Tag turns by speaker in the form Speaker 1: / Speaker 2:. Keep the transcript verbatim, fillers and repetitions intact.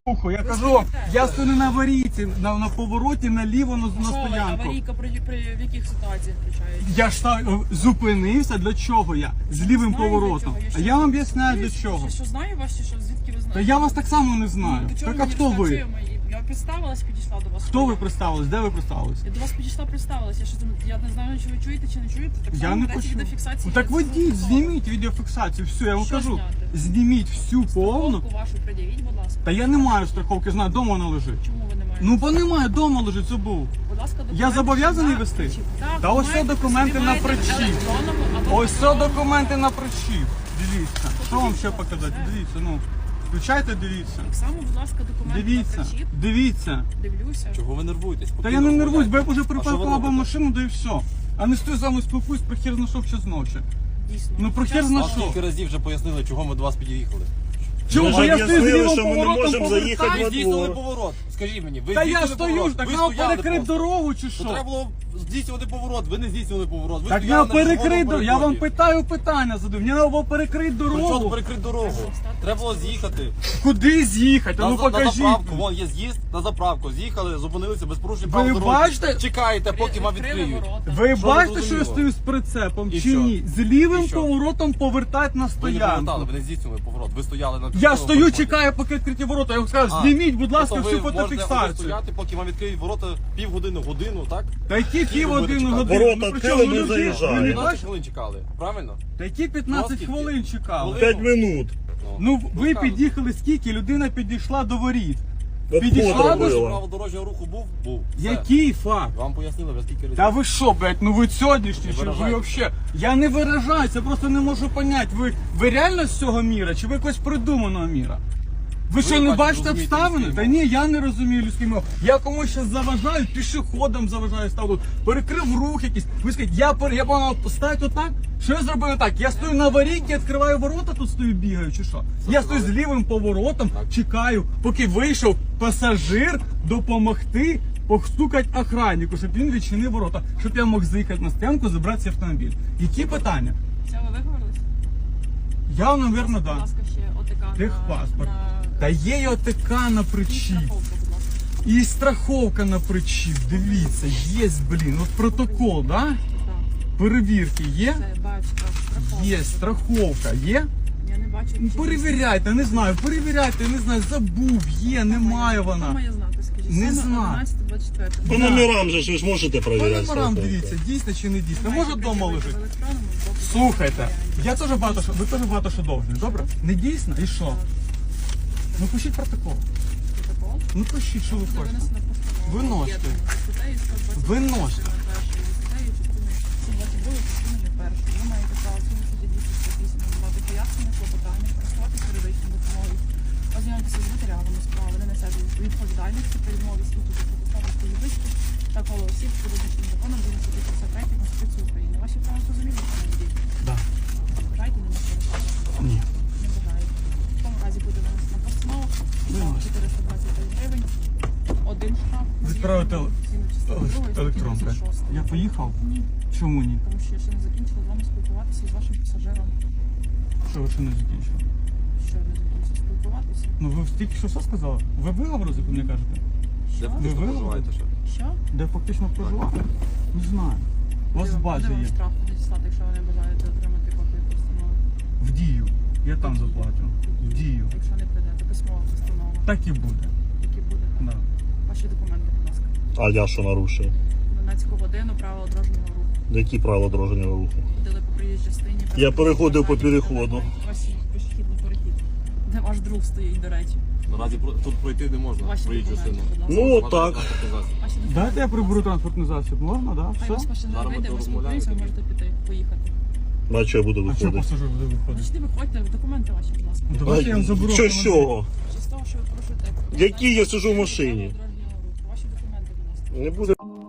Speaker 1: Я кажу, я стою на аварійці, на, на повороті наліво на, на
Speaker 2: Що ви,
Speaker 1: стоянку.
Speaker 2: аварійка при, при в яких ситуаціях включається?
Speaker 1: Я ж та, зупинився, для чого я? З лівим
Speaker 2: Знаю, для
Speaker 1: поворотом.
Speaker 2: чого. Я
Speaker 1: А
Speaker 2: що-
Speaker 1: я вам об'ясняю для
Speaker 2: Ви
Speaker 1: чого.
Speaker 2: Що, що знаю вас, чи що? Звідки ви знаєте?
Speaker 1: Та я вас так само не знаю.
Speaker 2: Ну, до чого
Speaker 1: Так а
Speaker 2: мені
Speaker 1: хто ви?
Speaker 2: розказує мої? Я представилась, підійшла до вас.
Speaker 1: Хто ви представились? Де ви представились?
Speaker 2: Я до вас підійшла, представилась. Я, що, я не знаю, чи ви чуєте, чи не чуєте. Так
Speaker 1: Я
Speaker 2: само
Speaker 1: не
Speaker 2: ведеться
Speaker 1: почув.
Speaker 2: відеофіксація.
Speaker 1: Ну, так
Speaker 2: Це
Speaker 1: водіть,
Speaker 2: звуково.
Speaker 1: зніміть відеофіксацію. Все, я вам
Speaker 2: Що
Speaker 1: кажу.
Speaker 2: зняти?
Speaker 1: Зніміть всю повну.
Speaker 2: Страховку вашу пред'явіть, будь ласка.
Speaker 1: Та я не маю страховки, знаю, вдома вона лежить.
Speaker 2: Чому ви не маєте?
Speaker 1: Ну бо немає, вдома лежить, забув.
Speaker 2: Будь ласка, документи.
Speaker 1: Я зобов'язаний
Speaker 2: на
Speaker 1: вести?
Speaker 2: причіп. Так,
Speaker 1: Та ось
Speaker 2: маєте,
Speaker 1: це документи
Speaker 2: собі
Speaker 1: на
Speaker 2: маєте в
Speaker 1: причіп.
Speaker 2: електронному або
Speaker 1: Ось це
Speaker 2: паперовому.
Speaker 1: документи на причіп. Дивіться. Що вам ще показати? Дивіться, ну. Включайте, дивіться.
Speaker 2: Так само, будь ласка, документи
Speaker 1: Дивіться,
Speaker 2: на причіп.
Speaker 1: дивіться.
Speaker 2: Дивлюся.
Speaker 3: Чого ви нервуєтесь?
Speaker 1: Та я не нервуюсь, бо я вже
Speaker 3: А що ви
Speaker 1: припаркував
Speaker 3: робите?
Speaker 1: машину, да і все. А не стою з вами спілкуюсь, про хер знайшов ще зночі.
Speaker 2: Дійсно.
Speaker 1: Ну, про хер
Speaker 2: Час-
Speaker 1: зна-
Speaker 3: Вам
Speaker 1: що?
Speaker 3: скільки разів вже пояснили, чого ми до вас під'їхали.
Speaker 1: Чому?
Speaker 4: Ви
Speaker 1: Бо
Speaker 4: ж
Speaker 1: я стою з
Speaker 4: об'яснили,
Speaker 1: лівим
Speaker 4: що ми не
Speaker 1: поворотом
Speaker 4: можемо заїхати
Speaker 1: повертаю.
Speaker 3: Ви
Speaker 4: во
Speaker 3: здійснили
Speaker 4: двор.
Speaker 3: поворот. Скажіть мені, ви
Speaker 1: Та я
Speaker 3: здійснили
Speaker 1: стою,
Speaker 3: поворот.
Speaker 1: так
Speaker 3: Ви
Speaker 1: нам
Speaker 3: стояли
Speaker 1: перекрити
Speaker 3: просто.
Speaker 1: дорогу чи
Speaker 3: То
Speaker 1: що?
Speaker 3: треба було здійснювати поворот, ви не здійснювали поворот. Ви
Speaker 1: Так
Speaker 3: стояли
Speaker 1: я
Speaker 3: на
Speaker 1: перекрити,
Speaker 3: червоному
Speaker 1: я вам
Speaker 3: переході.
Speaker 1: питаю питання задаю. Мені треба було перекрити
Speaker 3: При чому
Speaker 1: дорогу.
Speaker 3: перекрити дорогу? Треба було з'їхати.
Speaker 1: Куди з'їхати?
Speaker 3: На,
Speaker 1: Ну
Speaker 3: за- на
Speaker 1: покажіть.
Speaker 3: заправку, вон є з'їзд, на заправку. З'їхали, зупинилися без порушень
Speaker 1: Ви
Speaker 3: прав дороги.
Speaker 1: бачите?
Speaker 3: Чекаєте, поки вам
Speaker 2: Відкрили
Speaker 3: відкриють.
Speaker 2: ворота.
Speaker 1: Ви
Speaker 3: Що
Speaker 1: бачите,
Speaker 3: не
Speaker 1: що я
Speaker 3: зрозуміло?
Speaker 1: стою з прицепом
Speaker 3: І
Speaker 1: чи
Speaker 3: що?
Speaker 1: ні? З лівим
Speaker 3: І що?
Speaker 1: поворотом повертати на
Speaker 3: Ви не повертали,
Speaker 1: стоянку.
Speaker 3: ви не здійснювали поворот. Ви стояли на
Speaker 1: Я
Speaker 3: червоному
Speaker 1: стою,
Speaker 3: переході.
Speaker 1: чекаю, поки відкриті ворота. Я вам скажу,
Speaker 3: А,
Speaker 1: зніміть, будь ласка,
Speaker 3: тобто
Speaker 1: всю
Speaker 3: ви можете
Speaker 1: фотофіксацію.
Speaker 3: стояти, поки вам відкриють ворота півгодини, годину, так?
Speaker 1: Та які
Speaker 3: Скільки
Speaker 1: пів
Speaker 3: ви будете
Speaker 1: години
Speaker 3: чекати?
Speaker 1: години?
Speaker 4: Ворота
Speaker 1: Ну,
Speaker 4: відкрили,
Speaker 1: причому
Speaker 4: ми
Speaker 1: люди-
Speaker 4: заїжджаємо.
Speaker 1: ви не
Speaker 3: п'ятнадцять
Speaker 1: бачите?
Speaker 3: хвилин чекали, правильно?
Speaker 1: Та які п'ятнадцять
Speaker 3: скільки?
Speaker 1: хвилин чекали?
Speaker 3: Хвилин?
Speaker 4: П'ять минут.
Speaker 1: Ну ви
Speaker 3: так.
Speaker 1: під'їхали скільки? Людина підійшла до воріт.
Speaker 4: Обход
Speaker 1: Підійшла до-
Speaker 4: робила.
Speaker 3: Право дорожнього руху був? Був. Все.
Speaker 1: Який факт?
Speaker 3: Вам пояснили вже скільки разів.
Speaker 1: Та ви що, блядь, ну ви сьогоднішні,
Speaker 3: Не
Speaker 1: чи ви
Speaker 3: виражайтесь.
Speaker 1: вообще? Я не виражаюся, просто не можу поняти, ви, ви реально з цього міра, чи ви якось придуманого міра? Ви що, не
Speaker 3: бачите,
Speaker 1: бачите
Speaker 3: розумієте
Speaker 1: обставини?
Speaker 3: людську
Speaker 1: Та ні, я не розумію людської мови. Я комусь щас заважаю, пішоходом заважаю ставлю, перекрив рух якийсь. Ви скажіть, я, пер... я мав поставити отак? Що я зробив не так? Я стою на аварійці, відкриваю ворота, тут стою, бігаю, чи що? Я стою з лівим поворотом, чекаю, поки вийшов пасажир допомогти постукати охраннику, щоб він відчинив ворота, щоб я мог заїхати на стоянку, забрати цей автомобіль. Які питання?
Speaker 2: Все, ви виговорились?
Speaker 1: Я, напевно,
Speaker 2: Будь
Speaker 1: да.
Speaker 2: ласка, ще ОТК
Speaker 1: Техпаспорт.
Speaker 2: на...
Speaker 1: Та є й ОТК на
Speaker 2: І
Speaker 1: причіп.
Speaker 2: страховка, будь ласка.
Speaker 1: І страховка на причіп. Дивіться, є, блін, от протокол, да?
Speaker 2: Так,
Speaker 1: Перевірки є?
Speaker 2: це бачу, так, страховка.
Speaker 1: Є, страховка є?
Speaker 2: Я не бачу.
Speaker 1: Ну,
Speaker 2: чи
Speaker 1: перевіряйте, не знаю, перевіряйте, не знаю, забув, є, немає
Speaker 2: Хто
Speaker 1: вона.
Speaker 2: має знати, скажіть?
Speaker 1: Не
Speaker 2: Саме
Speaker 1: знаю.
Speaker 2: одинадцяте двадцять четверте.
Speaker 4: По
Speaker 1: Да.
Speaker 4: номерам же ж ви ж можете
Speaker 1: По
Speaker 4: перевіряти.
Speaker 1: номерам
Speaker 4: страховку.
Speaker 1: дивіться, дійсно чи не дійсно.
Speaker 2: Маєте
Speaker 1: Може вдома
Speaker 2: пред'явити
Speaker 1: лежить.
Speaker 2: в електронному або в
Speaker 1: Слухайте,
Speaker 2: паперовому.
Speaker 1: я теж багато що, ви теж багато що довжні, добре? Не дійсно? І що? Ну пишіть протокол.
Speaker 2: Протокол.
Speaker 1: Ну пишіть, що ви
Speaker 2: Буде
Speaker 1: хочете.
Speaker 2: винесена постанова.
Speaker 1: Виносьте.
Speaker 2: Об'єднана статтею сто двадцять
Speaker 1: Виносьте.
Speaker 2: частиною першою, статтею частиною сто двадцять другої частиною першою. Ви маєте право згідно статті двісті сорок вісім надавати пояснення, клопотання, користуватися юридичною допомогою, ознайомитися з матеріалами справи, не несе відповідальності при відмові світу за протиставності юристів та коло осіб, що визначені законом згідно статті п'ятдесят третьої Конституції України. Ваші права зрозуміли, пане водій?
Speaker 1: Да.
Speaker 2: Бажаєте не користуватися?
Speaker 1: Ні.
Speaker 2: Не бажаєте. В тому разі буде винесена постанова.
Speaker 1: Виносите.
Speaker 2: чотириста двадцять п'ять гривень. Один штраф.
Speaker 1: Відправити
Speaker 2: Згідно частини другої статті
Speaker 1: електронка.
Speaker 2: тридцять шостої.
Speaker 1: Я поїхав?
Speaker 2: Ні,
Speaker 1: Чому ні?
Speaker 2: тому що я ще не закінчила з вами спілкуватися з вашим пасажиром.
Speaker 1: Що ви ще не закінчили?
Speaker 2: Що не закінчила спілкуватися?
Speaker 1: Ну ви тільки що все сказали? Ви виговорили, як ви мені кажете?
Speaker 3: Де
Speaker 2: Що?
Speaker 3: фактично
Speaker 1: Ви
Speaker 3: проживаєте ще?
Speaker 2: Що?
Speaker 1: Де фактично проживати? Не знаю. У вас в
Speaker 2: Куди-
Speaker 1: базі
Speaker 2: куди вам
Speaker 1: є.
Speaker 2: штраф надіслати, якщо ви не бажаєте отримати копію постанови?
Speaker 1: В дію. Я там заплатю. В дію.
Speaker 2: Якщо не прийдете, письмова постанова.
Speaker 1: Так і буде.
Speaker 2: Які буде?
Speaker 1: Да.
Speaker 2: Ваші документи, будь ласка.
Speaker 4: А я що нарушив?
Speaker 2: дванадцяту годину правила дорожнього руху.
Speaker 4: Які правила дорожнього руху?
Speaker 2: Ходили по проїжджій частині.
Speaker 4: Я переходив по
Speaker 2: Показання,
Speaker 4: переходу.
Speaker 2: Ваш пішохідний перехід. Де ваш друг стоїть, до речі.
Speaker 3: Наразі про- тут пройти не можна.
Speaker 2: Ваші
Speaker 3: Проїжджу
Speaker 2: документи,
Speaker 3: сину.
Speaker 2: будь ласка.
Speaker 4: Ну от так.
Speaker 2: Ваші документи,
Speaker 1: Дайте я
Speaker 2: будь
Speaker 1: приберу
Speaker 2: ласка.
Speaker 1: транспортний засіб. Можна, да?
Speaker 2: Хай вас
Speaker 1: Все?
Speaker 2: пасажир
Speaker 3: Зараз ми
Speaker 2: вийде, ви
Speaker 3: розмовляємо
Speaker 2: спілкуємося, ви
Speaker 3: тоді.
Speaker 2: можете піти, поїхати.
Speaker 4: Бачу, я буду
Speaker 1: А що
Speaker 4: виходити.
Speaker 1: пасажир буде виходити?
Speaker 2: Значить, не виходьте, документи ваші, будь ласка.
Speaker 1: Давайте я вам заберу.
Speaker 4: Що з
Speaker 1: автомобіль.
Speaker 4: чого?
Speaker 2: Чи з того, що ви порушуєте?
Speaker 4: Які я сиджу в машині?
Speaker 2: Дорожнього руху. Ваші документи, будь ласка.
Speaker 4: Не буде.